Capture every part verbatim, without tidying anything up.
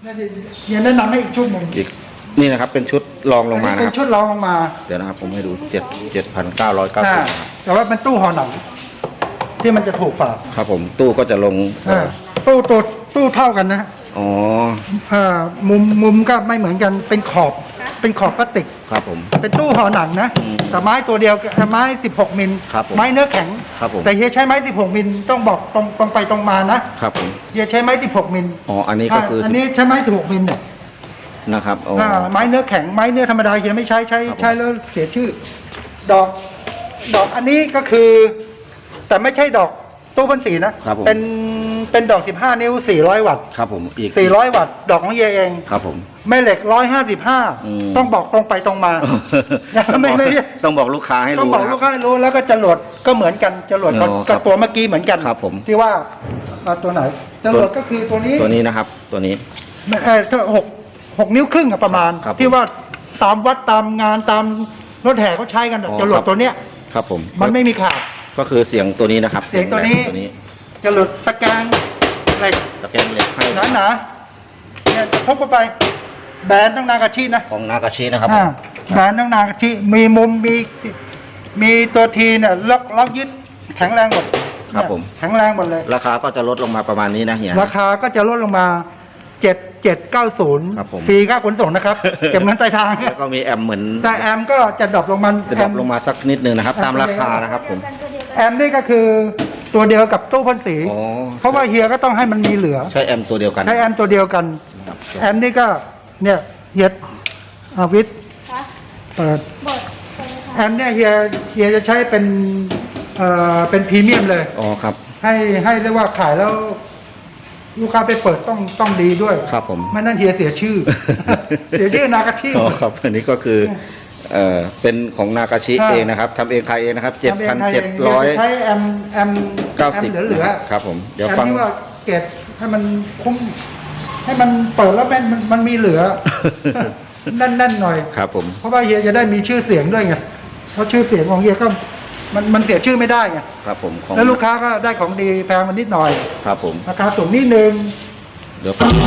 เฮียแนะนำให้อีกชุดหนึ่งอีกนี่นะครับเป็นชุดรองลงมานะครับเป็นชุดรองลงมาเดี๋ยวนะครับผมให้ดูเจ็ดเจ็ดพันเก้าร้อยเก้าสิบแต่ว่าเป็นตู้ห่อหนังที่มันจะถูกฝาครับผมตู้ก็จะลงตู้ตัวตู้เท่ากันนะอ๋อมุมมุมก็ไม่เหมือนกันเป็นขอบเป็นขอบพลาสติกครับผมเป็นตู้ห่อหนังนะแต่ไม้ตัวเดียวไม้สิบหกมิลไม้เนื้อแข็งครับผมแต่เฮียใช้ไม้สิบหกมิลต้องบอกตรงตรงไปตรงมานะครับผมเฮียใช้ไม้สิบหกมิลอ๋ออันนี้ก็คืออันนี้ใช้ไม้สิบหกมิลเนี่ยนะครับไม้เนื้อแข็งไม้เนื้อธรรมดาเฮียไม่ใช้ใช้ใช้แล้วเสียชื่อดอกดอกอันนี้ก็คือแต่ไม่ใช่ดอกตู้พ่นสีนะเป็นเป็นดอกสิบห้านิ้วสี่ร้อยวัตต์ครับผมอีกสี่ร้อยวัตต์ดอกของเฮียเองครับผมแม่เหล็กหนึ่งร้อยห้าสิบห้าต้องบอกตรงไปตรงมาไม่ไม่ต้องบอกลูกค้าให้รู้ต้องบอกลูกค้าให้รู้แล้วก็จรวดก็เหมือนกันจรวดกับตัวเมื่อกี้เหมือนกันครับผมที่ว่าตัวไหนจรวดก็คือตัวนี้ตัวนี้นะครับตัวนี้เออถ้าหกหกนิ้วครึ่งประมาณที่ว่าตามวัดตามงานตามรถแห่เขาใช้กันจรวดตัวเนี้ยครับผมมันไม่มีขาดก็คือเสียงตัวนี้นะครับเสียงตัวนี้จรวดตะแกรงเหล็กตะแกรงเหล็กให้หนาหนาเนี่ยพกไปแบรนด์ต้องนากาชินะของนากาชินะครับแบรนด์ต้องนากาชิมีมุมมีมีตัวทีเนี่ยล็อกล็อกยึดแข็งแรงหมดครับผมแข็งแรงหมดเลยราคาก็จะลดลงมาประมาณนี้นะเฮียราคาก็จะลดลงมาเจ็ดเจ็ดเก้าศูนย์ฟรีค่าขนส่งนะครับเก็บเงินปลายทางแล้วก็มีแอมเหมือนแต่แอมก็จะดรอปลงมาจะดรอปลงมาสักนิดนึงนะครับตามราคานะครับผมแอมนี่ก็คือตัวเดียวกับตู้พ่นสีเพราะว่าเฮียก็ต้องให้มันมีเหลือใช้แอมตัวเดียวกันใช้แอมตัวเดียวกันแอมนี่ก็เนี่ยเฮียอาวิทเปิดแอมเนี่ยเฮียเฮียจะใช้เป็นเอ่อเป็นพรีเมียมเลยอ๋อครับให้ให้เรียกว่าขายแล้วลูกค้าไปเปิดต้องต้องดีด้วยครับผมไม่นั่นเฮียเสียชื่อเสียชื่อนากาชิอ๋อครับอันนี้ก็คือเอ่อเป็นของนากาชิเองนะครับทำเองขายเองนะครับเจ็ดพันเจ็ดร้อยใช้แอมแอมเก้าสิบเหลือครับผมเดี๋ยวฟังที่ว่าเก็บให้มันคุ้มให้มันเปิดแล้วแม่นมันมีเหลือแน่นๆหน่อยครับผมเพราะว่าเฮียจะได้มีชื่อเสียงด้วยไงเพราะชื่อเสียงของเฮียก็มันมันเสียชื่อไม่ได้ไงครับผมแล้วลูกค้าก็ได้ของดีแพงมันนิดหน่อยครับผมราคาสูงนิดนึงเดี๋ยวฟัง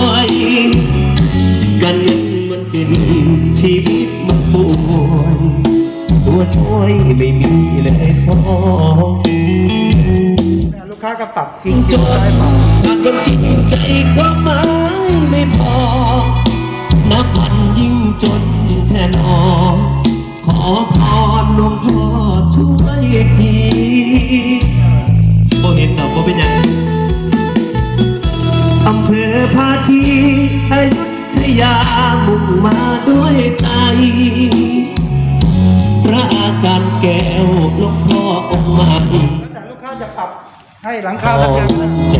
กันมันเป็นชีวิตมันป่วยตัวช่วยไม่มีเลยพอลูกค้าก็ปรับจริงจนได้ปรับการคนจริงใจความหมายไม่พอนับวันยิ่งจนแทนออกขอพรหลวงพ่อช่วยทีบ่เห็นดอกบ่เป็นยังอำเภอภาชีอยุธยามุ่งมาด้วยใจพระอาจารย์แก้วหลวงพ่อองค์ใหม่แต่ลูกค้าจะปรับให้หลังคาตะแกรง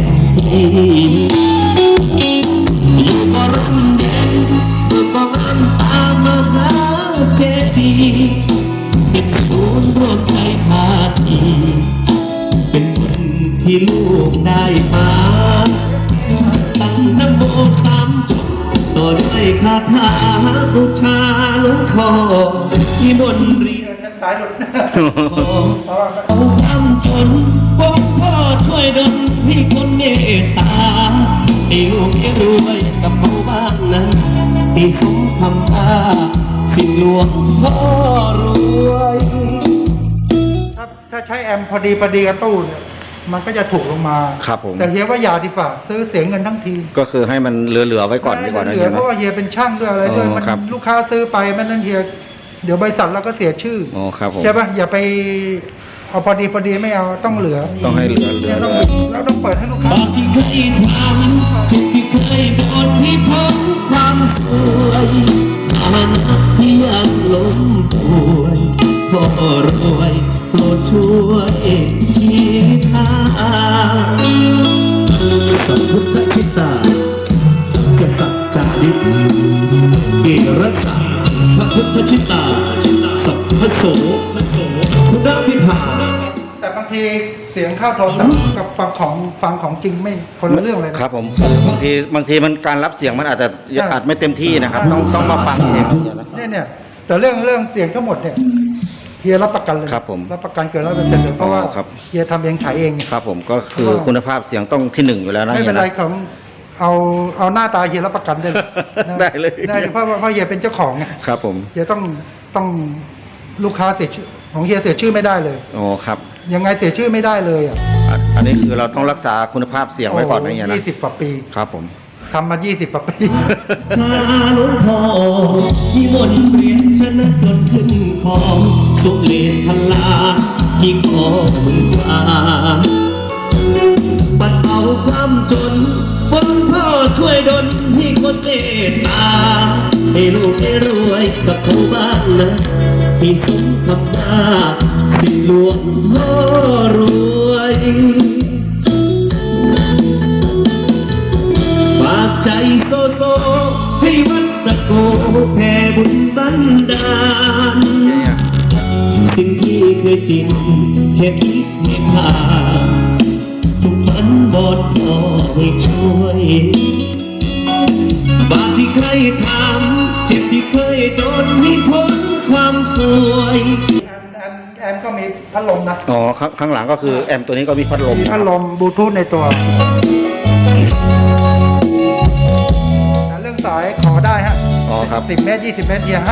อยู่ก็ร่มเย็นอยู่ก็งามตามมหาเจดีย์เป็นศูนย์รวมใจภาคีเป็นวันที่ลูกได้มาตั้งนะโมสามจบต่อด้วยคาถาบูชาหลวงพ่อที่บนเรียนสายหลุดเอาความจนบอกพ่อช่วยดลให้คนเมตตาให้ลูกให้รวยกับเขาบ้างนะที่สมคำท่าสิ่งหลวงพ่อรวยถ้าถ้าใช้แอมพอดีพอดีกับตู้เนี่ยมันก็จะถูกลงมาครับผมแต่เฮียว่าอย่าดีกว่าซื้อเสียเงินทั้งทีก็คือให้มันเหลือๆไว้ก่อนดีกว่านะเฮียเพราะว่าเฮียเป็นช่างด้วยอะไรด้วยมันลูกค้าซื้อไปมันนั่นเฮียเดี๋ยวบริษัทเราก็เสียชื่ออ๋อครับผมใช่ป่ะอย่าไปเอาพอดีพอดีไม่เอาต้องเหลือต้องให้เหลือเหลือเราต้องเปิดให้ลูกค้าที่เคยทำจุดที่เคยโดนที่พ้นความสวยฐานะที่ยังล้มป่วยพ่อรวยโปรดช่วยชี้ทางสัพพุทธชิตาจะสัจจาริกเกรสาสัพพุทธชิตาสัพพโสคุณพิธาแต่บางทีเสียงเข้าโทรศัพท์กับฟังของฟังของจริงไม่คนละเรื่องเลยครับผมบางทีบางทีมันการรับเสียงมันอาจจะอาจไม่เต็มที่นะครับต้องต้องมาฟังเองเนี่ยเนี่ยแต่เรื่องเรื่องเสียงทั้งหมดเนี่ยเฮียรับประกันเลยครับผมรับประกันเกินร้อยเปอร์เซ็นต์เลยเพราะว่าเฮียทำเองขายเองครับผมก็คือคุณภาพเสียงต้องที่หนึ่งอยู่แล้วนะไม่เป็นไรของเอาเอาหน้าตาเฮียรับประกันได้เลยนะได้เลยได้เพราะว่าเพราะเฮียเป็นเจ้าของไงครับผมเฮียต้องต้องลูกค้าเสียชื่อของเฮียเสียชื่อไม่ได้เลยโอ้ครับยังไงเสียชื่อไม่ได้เลยอ่ะอ่ะอันนี้คือเราต้องรักษาคุณภาพเสียงไว้ก่อนนะเฮียนะยี่สิบกว่าปีครับผมทำมายี่สิบกว่าปีชาหลวงพ่อที่มนต์เรียนชนะจนขึ้นของสุเลนพลาที่ขอมือว่า ปัดเอาความจนบนพ่อช่วยดลให้คนเมตตาให้ลูกได้รวยกับเขาบ้างนะให้สมคำหน้าสิ่งหลวงพ่อรวยฝากใจโซโซให้วัดตะโกแผ่บุญบันดาล สิ่งที่เคยติดแค่คิดไม่ผ่านทุกฝันบอดพอให้ช่วยบาปที่เคยทำเจ็บที่เคยโดนให้พ้นความสวยแอมแอมแอมก็มีพัดลมนะอ๋อข้างข้างหลังก็คือแอมตัวนี้ก็มีพัดลมมีนะคพัรัดบลมบลูทูธในตัวเรื่องสายขอได้ฮะอ๋อครับสิบเมตรยี่สิบเมตรเฮียให้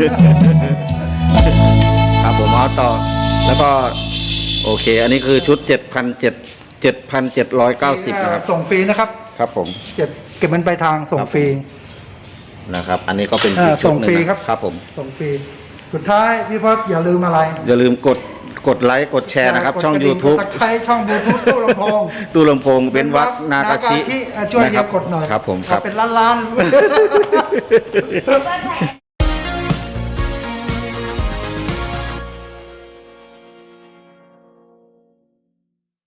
ครับผมเอาต่อ แล้วก็ โอเค อันนี้คือชุดเจ็ดพันเจ็ดเจ็ดพันเจ็ดร้อยเก้าสิบนะครับส่งฟรีนะครับครับผมเก็บเก็บมันไปลายทางส่งฟรีนะครับ อันนี้ก็เป็นเออชุดหนึ่ส่งฟรีนะครับ ครับผมส่งฟรีสุดท้ายพี่พศอย่าลืมอะไรอย่าลืมกดกดไลค์กดแชร์นะครับ ช่องกดกระดิ่ YouTube กดตะไคร้ช่องยูทูบตู้ลำโพงตู้ลำโพงเป็นวัดนากาชิอ่ะช่วยเฮีนะคยรับกดหน่อยครับผมครับเอาเป็นล้านๆ